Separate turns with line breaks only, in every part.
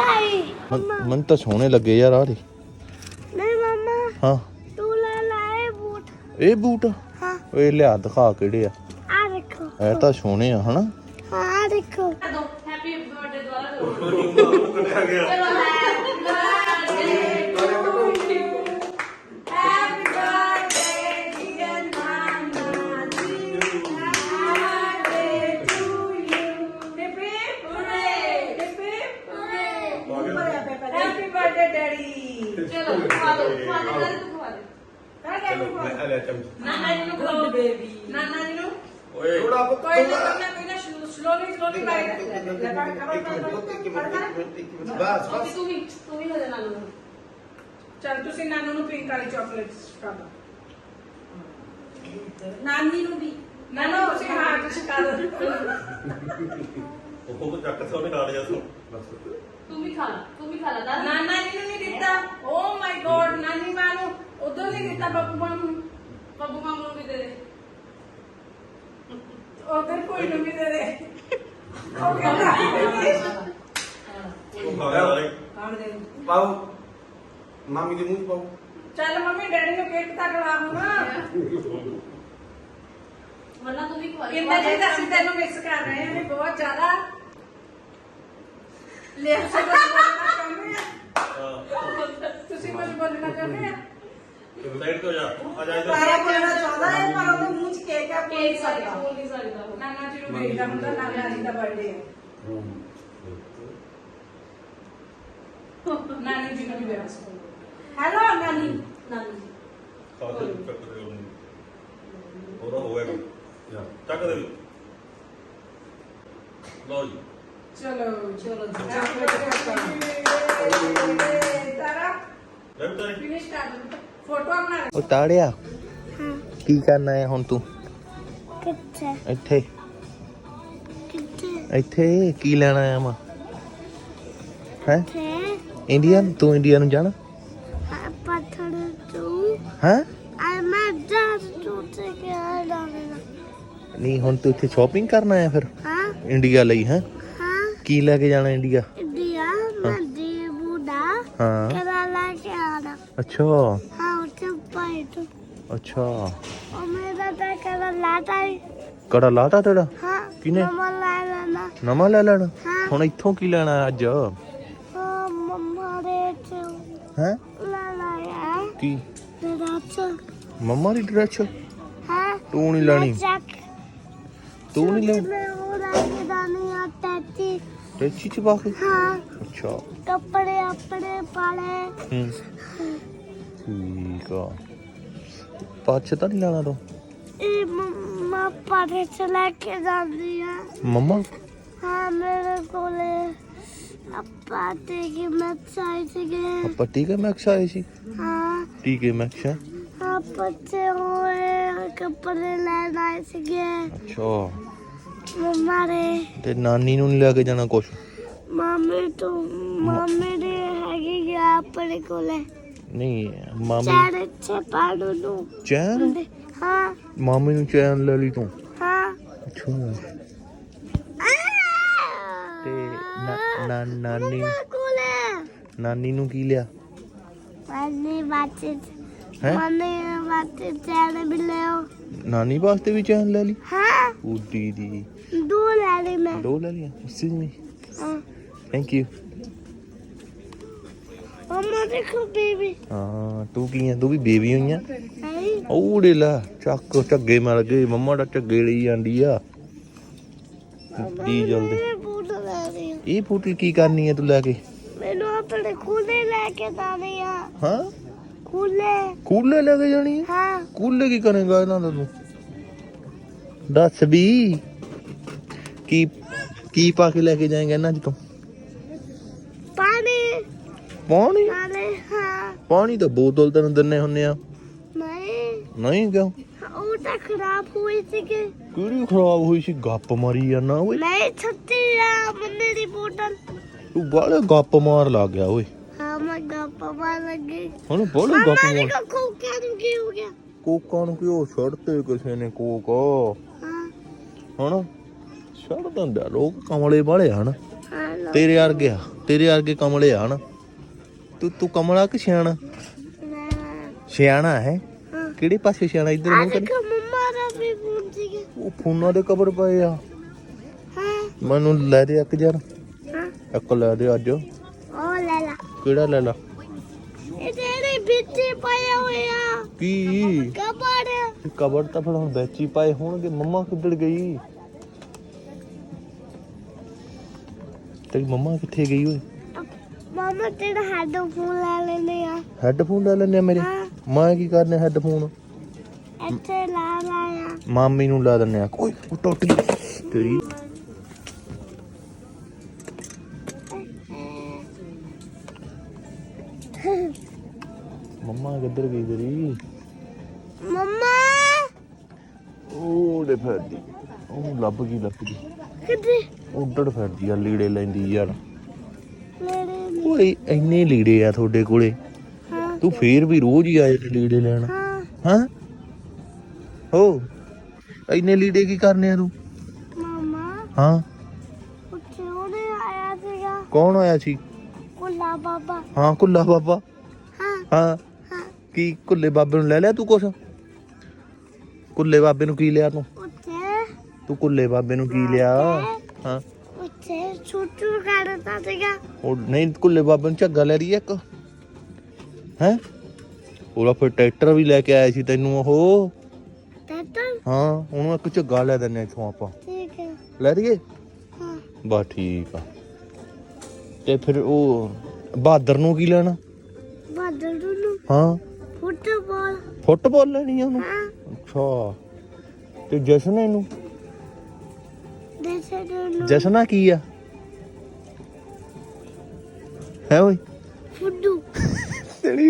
मन तो सोहने लगे यार आ
नहीं मम्मा
हाँ
तू ले लाए बूट
ये बूट
हाँ
ये लिया दिखा केड़े आ
आ देखो
ਇਹ ਤਾਂ ਸੋਹਣੇ ਆ ਹਨਾ
हाँ आ देखो
हैप्पी बर्थडे द्वारा दो चलो हैप्पी बर्थडे डियर नाना जी happy to you happy birthday daddy चलो खा दो नाना जी को खवा बेबी नाना जी को
थोड़ा
कोई ना स्लोली बाइट
बस
तू भी ले लेना नानू चल ਤੁਸੀਂ ਨਾਨੂ ਨੂੰ ਪਿੰਕ ਵਾਲੀ ਚਾਕਲੇਟਸ ਖਾ ਦੋ ਨਾਨੀ ਨੂੰ ਵੀ ਨਾਨੂ ਤੁਸੀਂ ਹਾਂ ਤੁਸੀਂ ਖਾ ਦੋ
ਉਹ ਕੋ ਚੱਕ ਸੋਨੇ ਖਾ ਲਿਆ ਸੋ
ਤੂੰ ਵੀ ਖਾ ਲਾ ਨਾਨਾ ਜੀ ਨੂੰ ਨਹੀਂ ਦਿੱਤਾ ਓ ਮਾਈ ਗॉड ਨਾਨੀ ਮਾਂ ਨੂੰ ਉਦੋਂ ਨਹੀਂ ਦਿੱਤਾ ਬੱਬੂ ਮਾਂ ਨੂੰ ਵੀ ਦੇ ਦੇ ਉਧਰ ਕੋਈ ਨੂੰ ਵੀ ਦੇ ਦੇ ਉਹ ਕਹਿੰਦਾ
ਉਹ ਖਾ ਲਿਆ
ਖਾਣ ਦੇ
ਪਾਓ ਮਾਮੀ ਦੇ ਮੂੰਹ 'ਚ ਪਾਓ
ਚੱਲ ਮੰਮੀ ਡੈਡੀ ਨੂੰ ਕੇਕ ਤੱਕ ਲਾ ਹੁਣ
वरना तू भी खवा
ਕਿੰਨੇ ਜੀ ਅਸੀਂ ਤੈਨੂੰ ਮਿਕਸ ਕਰ ਰਹੇ ਹਾਂ ਵੀ ਬਹੁਤ ਜ਼ਿਆਦਾ ਲੈ ਸਭ ਬੋਲਣਾ ਚਾਹੁੰਦੇ ਆ ਤੁਸੀਂ ਕੁਝ ਬੋਲਣਾ ਚਾਹੁੰਦੇ ਆ
ਸਾਈਡ ਤੋਂ ਜਾ ਆ ਜਾ
ਸਾਰਾ ਬੋਲਣਾ ਚਾਹੁੰਦਾ ਹੈ ਪਰ ਉਹਦੇ ਮੂੰਹ 'ਚ ਕੇਕ ਆ
केक सकता बोल नहीं सकता वो।
ਨਾਨਾ ਜੀ ਨੂੰ ਭੇਜਦਾ ਹੁੰਦਾ ਨਾਨਾ ਜੀ ਦਾ ਬਰਥਡੇ ਹੈ ਨਾਨੀ ਜੀ ਨੂੰ ਵੀ ਵੇਸ ਹੈਲੋ ਨਾਨੀ
नानी
ਖਾ ਦੇ ਚੱਕ ਦੇ ਉਹਨੂੰ ਉਹਦਾ ਹੋਵੇਗਾ ਚੱਕ ਦੇ ਲਓ ਜੀ
ਚਲੋ
चलो जी।
ਤਾਰਾ
ਲੈ ਬਤਾਰੇ
ਫਿਨਿਸ਼ ਕਰ ਦੋ ਫੋਟੋ ਬਣਾ
ਉਹ ਤਾੜਿਆ
हाँ
ਕੀ ਕਰਨਾ ਹੈ ਹੁਣ ਤੂੰ
कितने
ਇੱਥੇ
कितने
ਇੱਥੇ ਕੀ ਲੈਣਾ ਆ ਮੈਂ ਹੈ
थे
ਇੰਡੀਆ ਤੂੰ ਇੰਡੀਆ ਨੂੰ ਜਾਣਾ
पत्थर तू
ਹੈ
आई मैं डर टूटे के आ डालना
ਨਹੀਂ ਹੁਣ ਤੂੰ ਇੱਥੇ ਸ਼ਾਪਿੰਗ ਕਰਨਾ ਆ ਫਿਰ
हाँ
ਇੰਡੀਆ ਲਈ ਹੈ
हाँ
ਕੀ ਲੈ ਕੇ ਜਾਣਾ ਇੰਡੀਆ
इंडिया मैं दी बूढ़ा
ਹਾਂ
केरला के आना
ਅੱਛਾ
हाँ उसे पाइट
ਅੱਛਾ
और मेरा तो केरला था
ਕੜਾ ਲਾਤਾ ਤੇਰਾ
हाँ
किने?
मम्मा ला लेना
ਨਵਾਂ ਲੈ ਲੈਣਾ
हाँ
ਹੁਣ ਇੱਥੋਂ ਕੀ ਲੈਣਾ ਅੱਜ
हाँ मम्मा रे थे
ਹੈ
ला लाया
ਕੀ
मेरा तो
ਮੰਮਾ ਦੀ ਡਰੈਸ
हाँ
ਤੂੰ ਨਹੀਂ ਲੈਣੀ
चक
ਤੂੰ ਨਹੀਂ ਲੈਣੀ
में वो रंग दानी आता थी
ਟੈਚੀ ਚ ਪਾ ਕੇ
हाँ
ਅੱਛਾ
कपड़े अपने पाले
ਹੂੰ ਠੀਕ ਆ ਪਾਛ ਤਾਂ ਨਹੀਂ ਲੈਣਾ ਤੂੰ
ए मम्मा पाले चला के जाती है
ਮੰਮਾ
हाँ मेरे को ले पाते की मैं चाहिए गए
ਆਪਾਂ ਟੀਕੇ ਮੈਕਸ ਆਏ ਸੀ
हाँ
ਟੀਕੇ ਮੈਕਸ ਹੈ
हाँ बच्चे हुए कपड़े लेना गए
ਅੱਛਾ
मम्मा रे
ਤੇ ਨਾਨੀ ਨੂੰ ਨਹੀਂ ਲੈ ਕੇ ਜਾਣਾ ਕੁਛ
मम्मी तो मम्मी रे हैगी गया अपने को ले
ਨਹੀਂ ਮਾਮੀ
चार अच्छे पाड़ू लू
ਚੈਨ
हाँ
ਮਾਮੀ ਨੂੰ ਚੈਨ ਲੈ ਲਈ ਤੂੰ
हाँ
ਅੱਛਾ ਤੇ ਨਾਨੀ ਨਾਨੀ ਨੂੰ ਕੀ ਲਿਆ
मम्मी बातचीत
ਹੈ
मम्मी बातचीत चैन भी ले आओ
ਨਾਨੀ ਵਾਸਤੇ ਵੀ ਚੈਨ ਲੈ ਲਈ
हाँ
ਉੱਡੀ ਦੀ
2 ले ली मैं
ਦੋ ਲੈ ਲਿਆ ਐਕਸਕਿਊਜ਼ ਮੀ
हाँ
ਥੈਂਕ ਯੂ
मम्मा देखो बेबी
ਹਾਂ ਤੂੰ ਕੀ ਆ ਤੂੰ ਵੀ ਬੇਬੀ ਹੋਈ ਆ
नहीं
ਉਹਦੇ ਲੈ ਚੱਕ ਝੱਗੇ ਮਿਲ ਗਏ ਮੰਮਾ ਦਾ ਝੱਗੇ ਲਈ ਜਾਂਦੀ ਆ ਦੀ ਜਲਦੀ
मैं बूट ले रही हूँ
ਇਹ ਫੋਟੋ ਕੀ ਕਰਨੀ ਹੈ ਤੂੰ ਲੈ ਕੇ
मैंने अपने कूले लेके जानी है
ਹਾਂ
कूले
ਕੂਲੇ ਲੈ ਕੇ ਜਾਣੀ ਹੈ
हाँ
ਕੂਲੇ ਕੀ ਕਰੇਗਾ ਇਹਨਾਂ ਦਾ ਤੂੰ ਦੱਸ ਵੀ ਕੀ ਪਾ ਕੇ ਲੈ ਕੇ ਜਾਏਗਾ ਇਹਨਾਂ ਚ ਤੂੰ
पानी
ਪਾਣੀ
पानी हाँ
ਪਾਣੀ ਤਾਂ ਬੋਤਲ ਤੈਨੂੰ ਦਿੰਨੇ ਹੁੰਨੇ ਆ
नहीं
ਨਹੀਂ ਕਿਉਂ
वो तो खराब हुई थी कि
ਕਿਹੜੀ ਖਰਾਬ ਹੋਈ ਸੀ ਗੱਪ ਮਾਰੀ ਜਾਂਦਾ ਓਏ
नहीं छुट्टी मम्मी की बोतल
ਤੂੰ ਬਾਲੇ ਗੱਪ ਮਾਰ ਲੱਗ ਗਿਆ ਓਏ
हाँ मैं गप्पा मार लग गई
ਹੁਣ ਬਾਲੇ ਗੱਪ
मम्मा
ਮਾਰ
को खोखा दुखी हो गया
ਕੋਕਾਂ ਨੂੰ ਕਿਉਂ ਛੱਡਤੇ ਕਿਸੇ ਨੇ ਕੋਕ
हाँ
ਹਣ ਛੱਡ ਦਿੰਦਾ ਲੋਕ ਕਮਲੇ ਵਾਲੇ ਹਨ
हाँ लो
ਤੇਰੇ ਵਰਗੇ ਆ ਤੇਰੇ ਵਰਗੇ ਕਮਲੇ ਆ ਹਨਾ। ਤੂੰ ਕਮਲਾ ਕਿ ਸਿਆਣਾ? ਸਿਆਣਾ ਹੈ। ਕਿਹੜੇ ਪਾਸੇ ਸਿਆਣਾ? ਇੱਧਰ ਮੂੰਹ ਕਰ।
ਮੰਮਾ ਦਾ ਵੀ ਫੋਨ ਸੀਗਾ।
ਉਹ ਫੋਨਾਂ ਦੇ ਕਵਰ ਪਏ ਆ।
ਹਾਂ
ਮੈਨੂੰ ਲੈ ਦੇ ਇੱਕ ਯਾਰ।
ਹਾਂ
ਇੱਕ ਲੈ ਦੇ ਅੱਜ।
ਉਹ ਲੈ ਲਾ।
ਕਿਹੜਾ ਲੈ ਲਾ?
ਇਹ ਤੇਰੇ ਵਿੱਚ ਪਾਇਆ ਹੋਇਆ
ਕੀ
ਕਬੜ।
ਕਬਰ ਤਾਂ ਫਿਰ ਹੁਣ ਵਿੱਚ ਹੀ ਪਾਏ ਹੋਣਗੇ। ਮੰਮਾ ਕਿੱਧਰ ਗਈ? ਤੇਰੀ ਮੰਮਾ ਕਿੱਥੇ ਗਈ ਓਏ?
ਮਾਮਾ ਤੇਰਾ ਹੈਡਫੋਨ ਲੈ ਲੈਨੇ ਆ।
ਹੈੱਡਫੋਨ ਲੈ ਲੈਣੇ ਆ ਮੇਰੇ?
ਹਾਂ
ਮੈਂ ਕੀ ਕਰਨੇ ਹੈੱਡਫੋਨ?
ਇੱਥੇ ਲਾ ਲਾਇਆ।
ਮਾਮੀ ਨੂੰ ਲਾ ਦਿੰਨੇ ਆ। ਕੋਈ ਉਹ ਟੁੱਟ ਗਈ ਤੇਰੀ। ਮੰਮਾ ਕਿੱਧਰ ਗਈ ਤੇਰੀ?
ਮੰਮਾ
ਉਹਦੇ ਫਿਰਦੀ। ਉਹ ਲੱਭ ਗਈ
ਕਿੱਥੇ?
ਉੱਡੜ ਫਿਰਦੀ ਆ ਲੀੜੇ ਲੈਂਦੀ ਯਾਰ।
ਮੇਰੇ
ਓਏ ਇੰਨੇ ਲੀੜੇ ਆ ਤੁਹਾਡੇ ਕੋਲੇ।
ਹਾਂ
ਤੂੰ ਫੇਰ ਵੀ ਰੋਜ਼ ਹੀ ਆਏ ਤੇ ਲੀੜੇ ਲੈਣ।
ਹਾਂ
ਹਾਂ ਹੋ ਇੰਨੇ ਲੀੜੇ ਕੀ ਕਰਨੇ ਆ ਤੂੰ?
ਮਾਮਾ
ਹਾਂ
ਉੱਥੇ ਉਹਨੇ ਆਇਆ ਸੀਗਾ
ਕੌਣ ਆਇਆ ਸੀ?
ਕੁੱਲਾ ਬਾਬਾ।
ਹਾਂ ਕੁੱਲਾ ਬਾਬਾ।
ਹਾਂ
ਹਾਂ
ਹਾਂ
ਕੀ ਕੁੱਲੇ ਬਾਬੇ ਨੂੰ ਲੈ ਲਿਆ ਤੂੰ ਕੁਛ? ਕੁੱਲੇ ਬਾਬੇ ਨੂੰ ਕੀ ਲਿਆ ਤੂੰ?
ਉੱਥੇ
ਤੂੰ ਕੁੱਲੇ ਬਾਬੇ ਨੂੰ ਕੀ ਲਿਆ? ਹਾਂ
ਉੱਥੇ ਛੁੱਟੂ ਕਰਦਾ ਸੀਗਾ।
ਉਹ ਨਹੀਂ ਕੁੱਲੇ ਬਾਬੇ ਨੂੰ ਝੱਗਾ ਲੈ ਰਹੀ ਇੱਕ ਹੈ। ਉਹਦਾ ਫਿਰ ਟਰੈਕਟਰ ਵੀ ਲੈ ਕੇ ਆਇਆ ਸੀ ਤੈਨੂੰ ਉਹ।
ਟੱਟਾ
ਹਾਂ ਉਹਨੂੰ ਇੱਕ ਝੱਗਾ ਲੈ ਦਿੰਨੇ ਇੱਥੋਂ ਆਪਾਂ।
ਠੀਕ ਹੈ।
ਲੈ ਦਈਏ?
ਹਾਂ
ਬਸ ਠੀਕ ਆ। ਤੇ ਫਿਰ ਉਹ ਬਹਾਦਰ ਨੂੰ ਕੀ ਲੈਣਾ?
ਬਾਦਲ ਨੂੰ
ਹਾਂ
ਫੁੱਟਬਾਲ।
ਫੁੱਟਬਾਲ ਲੈਣੀ ਆ ਉਹਨੂੰ?
ਹਾਂ
ਅੱਛਾ ਤੇ ਜਸ਼ਨ ਇਹਨੂੰ?
ਦੇਸੇ ਨੂੰ
ਜਸ਼ਨਾ ਕੀ ਆ ਹੈ ਓਏ?
ਫੁੱਡੂ।
ਤੇਰੀ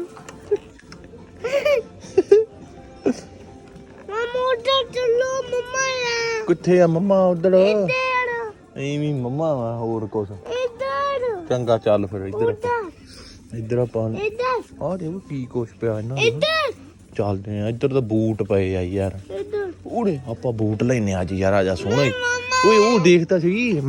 ਮਾਮਾ ਉੱਧਰ ਚੱਲੋ ਮੰਮਾ ਆ।
ਕਿੱਥੇ ਆ ਮੰਮਾ? ਉਧਰ
ਇੱਧਰ
ਐਵੇਂ ਮੰਮਾ ਵਾ ਹੋਰ ਕੁਛ।
ਇੱਧਰ
ਚੰਗਾ ਚੱਲ ਫਿਰ ਇੱਧਰ
ਉੱਧਰ
ਇੱਧਰ ਆਪਾਂ
ਇੱਧਰ
ਆ ਦੇਖੋ ਕੀ ਕੁਛ ਪਿਆ ਇਹਨਾਂ ਦਾ।
ਇੱਧਰ
ਚੱਲਦੇ ਆ। ਇੱਧਰ ਤਾਂ ਬੂਟ ਪਏ ਆ ਯਾਰ।
ਇੱਧਰ
ਉਹਨੇ ਆਪਾਂ ਬੂਟ ਲੈਨੇ ਅੱਜ ਯਾਰ। ਆ ਜਾ ਸੋਹਣਾ ਹੀ। ਓਏ ਉਹ ਦੇਖਦਾ ਸੀ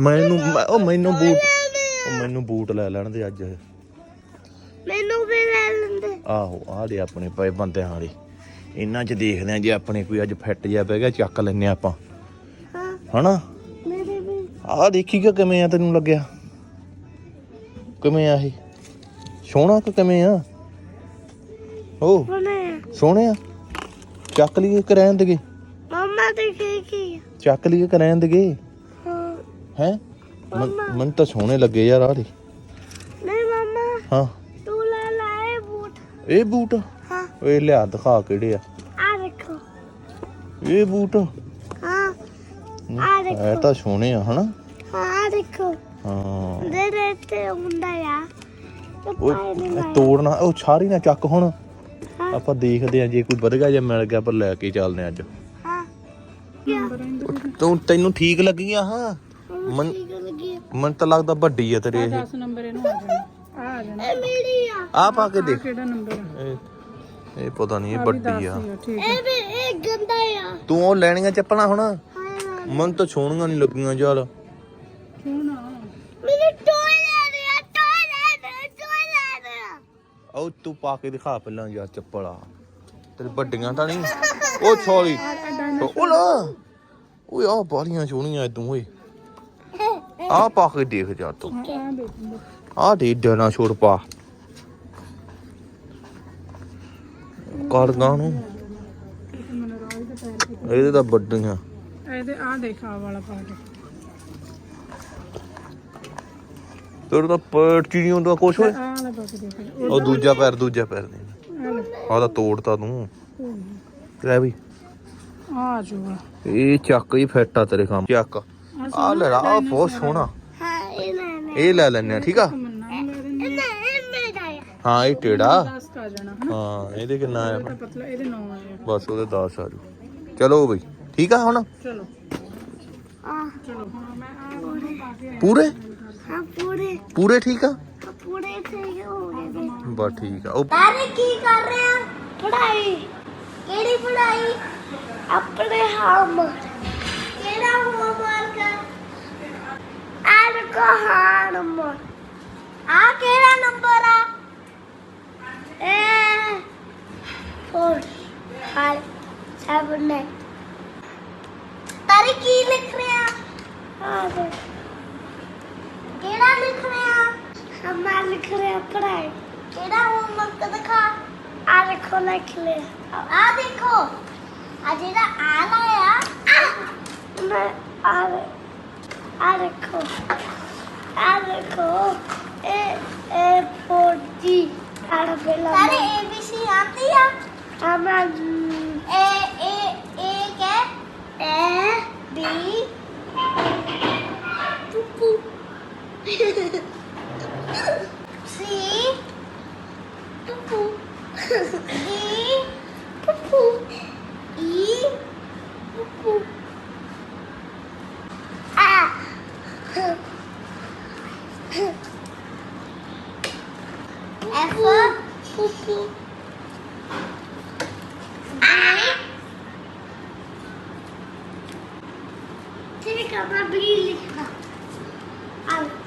ਮੈਨੂੰ ਬੂਟ ਲੈ ਲੈਣ ਦੇ ਅੱਜ।
ਮੈਨੂੰ ਵੀ ਲੈ ਲੈਂਦੇ।
ਆਹੋ ਆ ਦੇ ਆਪਣੇ ਪਏ ਬੰਦਿਆਂ ਵਾਲੇ। ਇਹਨਾਂ 'ਚ ਦੇਖਦੇ ਆ ਜੇ ਆਪਣੇ ਕੋਈ ਅੱਜ ਫਿੱਟ ਜਿਹਾ ਪੈ ਗਿਆ ਚੱਕ ਲੈਨੇ ਆਪਾਂ
ਹਾਂ
ਹਨਾ।
ਮੇਰੇ ਵੀ
ਆਹ ਦੇਖੀਗਾ ਕਿਵੇਂ ਆ ਤੈਨੂੰ ਲੱਗਿਆ? ਕਿਵੇਂ ਆ ਇਹ? ਸੋਹਣਾ ਕਿ ਕਿਵੇਂ ਆ? ਓ
ਬਣੇ
ਸੋਹਣੇ ਆ। ਚੱਕ ਲਈਏ ਕਿ ਰਹਿਣ ਦੇਗੇ?
ਮੰਮਾ ਤੇ ਕੀ
ਚੱਕ ਲਈਏ ਕਿ ਰਹਿਣ ਦੇਗੇ?
ਹਾਂ
ਹੈ ਮੈਨੂੰ ਤਾਂ ਸੋਹਣੇ ਲੱਗੇ ਯਾਰ ਆ ਦੇ।
ਨਹੀਂ ਮੰਮਾ
ਹਾਂ
ਤੂੰ ਲੈ ਲੈ ਇਹ ਬੂਟ।
ਇਹ ਬੂਟ?
ਹਾਂ
ਓਏ ਲਿਆ ਦਿਖਾ ਕਿਹੜੇ ਆ
ਆ ਦੇਖੋ।
ਇਹ ਬੂਟ?
ਹਾਂ ਆ ਦੇਖੋ।
ਇਹ ਤਾਂ ਸੋਹਣੇ ਆ ਹਨਾ।
ਹਾਂ ਆ ਦੇਖੋ।
ਹਾਂ
ਦੇ ਤੇ ਹੁੰਦਾ ਆ।
ਓਏ ਤੋੜਨਾ ਉਹ ਸਾਰੀ ਨਾ ਚੱਕ ਹੁਣ।
ਹਾਂ
ਆਪਾਂ ਦੇਖਦੇ ਆ ਜੇ ਕੋਈ ਵਧੀਆ ਜਿਹਾ ਮਿਲ ਗਿਆ ਪਰ ਲੈ ਕੇ ਚੱਲਦੇ ਅੱਜ।
ਹਾਂ
ਤੈਨੂੰ ਠੀਕ ਲੱਗੀ ਆ? ਹਾਂ
ਠੀਕ ਲੱਗੀ।
ਮੈਨੂੰ ਤਾਂ ਲੱਗਦਾ ਵੱਡੀ ਆ ਤੇਰੇ ਇਹ।
10 ਨੰਬਰ ਇਹਨੂੰ ਆ ਜਾਣਾ। ਆ ਜਾਣਾ।
ਇਹ ਮੇਰੀ ਆ।
ਆ ਪਾ ਕੇ ਦੇਖ।
ਕਿਹੜਾ ਨੰਬਰ ਹੈ?
ਇਹ ਪਤਾ ਨਹੀਂ ਇਹ ਵੱਡੀ ਆ।
ਠੀਕ
ਇਹ ਵੀ ਇਹ ਗੰਦਾ ਆ।
ਤੂੰ ਉਹ ਲੈਣੀਆਂ ਚੱਪਲਾਂ ਹੁਣ?
ਹਾਂ
ਮੈਨੂੰ ਤਾਂ ਸੋਹਣੀਆਂ ਨਹੀਂ ਲੱਗੀਆਂ ਯਾਰ।
ਕਿਉਂ ਨਾ?
ਮੈਨੂੰ ਟੋਏ ਲੈ ਰਿਹਾ ਟੋਏ ਲੈ ਰਿਹਾ।
ਉਹ ਤੂੰ ਪਾ ਕੇ ਦਿਖਾ ਪਹਿਲਾਂ ਯਾਰ ਚੱਪਲ ਆ ਤੇਰੇ ਵੱਡੀਆਂ ਤਾਂ ਨਹੀਂ? ਉਹ ਸੌਰੀ ਉਹ ਲਾ। ਓਏ ਆ ਬਾਲੀਆਂ ਸੋਹਣੀਆਂ ਤੂੰ ਓਏ। ਆ ਪਾ ਕੇ ਦੇਖ ਜਾ ਤੂੰ।
ਆ ਦੇਖੋ।
ਆ ਦੇ ਡਾਇਨਾਸੌਰ ਛੋੜ ਪਾ ਕਾਰਗਾਂ ਨੂੰ। ਇਹਦੇ ਤਾਂ ਵੱਡੀਆਂ।
ਇਹਦੇ ਆ ਦੇਖਾ ਵਾਲਾ ਪਾ ਕੇ।
ਤੇਰੇ ਤਾਂ ਪੈਰ ਚ ਨਹੀਂ ਹੁੰਦਾ ਕੁਛ ਓਏ।
ਆ ਵਾਲਾ ਪਾ ਕੇ ਦੇਖ।
ਉਹ ਦੂਜਾ ਪੈਰ ਦੇ ਆ ਤਾਂ ਤੋੜਤਾ ਤੂੰ। ਲੈ ਬਈ
ਆ ਜੂਗਾ।
ਇਹ ਚੱਕ ਹੀ ਫਿੱਟ ਆ ਤੇਰੇ ਕੰਮ। ਚੱਕ ਆ ਲੈ ਆ ਬਹੁਤ ਸੋਹਣਾ।
ਹਾਂ ਇਹ ਲੈ
ਇਹ ਲੈ ਲੈਨੇ ਆ ਠੀਕ ਆ।
ਮੰਨਾ ਲੈ ਦਿੰਦੇ।
ਇਹ ਮੇਰਾ ਆ।
ਹਾਂ ਇਹ ਟੇੜਾ।
10 ਕਾ ਜਾਣਾ ਹਨਾ।
ਹਾਂ ਇਹਦੇ ਕਿੰਨਾ ਆ?
ਤਾਂ ਪਤਲਾ ਇਹਦੇ 9 ਆਇਆ।
ਬਸ ਉਹਦੇ 10 ਆ ਜੂ। ਚਲੋ ਬਈ ਠੀਕ ਆ ਹੁਣ।
ਚਲੋ
ਆ
ਚਲੋ ਹੁਣ ਮੈਂ ਆ ਵਾਲਾ ਪਾ ਕੇ
ਪੂਰੇ
ਹਾਂ
ਪੂਰੇ ਠੀਕ ਆ।
ਪੂਰੇ ਸਹੀ ਹੋ ਗਏ।
ਬਸ ਠੀਕ ਆ। ਉਹ
ਸਾਰੇ ਕੀ ਕਰ ਰਹੇ ਆ? ਪੜ੍ਹਾਈ। ਕਿਹੜੀ ਪੜ੍ਹਾਈ? ਆਪਣੇ ਹੋਮਵਰਕ। ਕਿਹੜਾ ਹੋਮਵਰਕ? ਆਰ ਕੋ ਹੋਮਵਰਕ। केड़ा लिख रहे हैं हम लिख रहे हैं पढ़ाई केड़ा होमवर्क दिखा आ देखो लिख ले आ देखो आ जेड़ा आ लाया मैं आ देखो ए for G सारे ABC आती है हम ए क्या A B पुप्पू C पुप्पू D पुप्पू E पुप्पू A F पुप्पू ठीक है मैं भी लिखना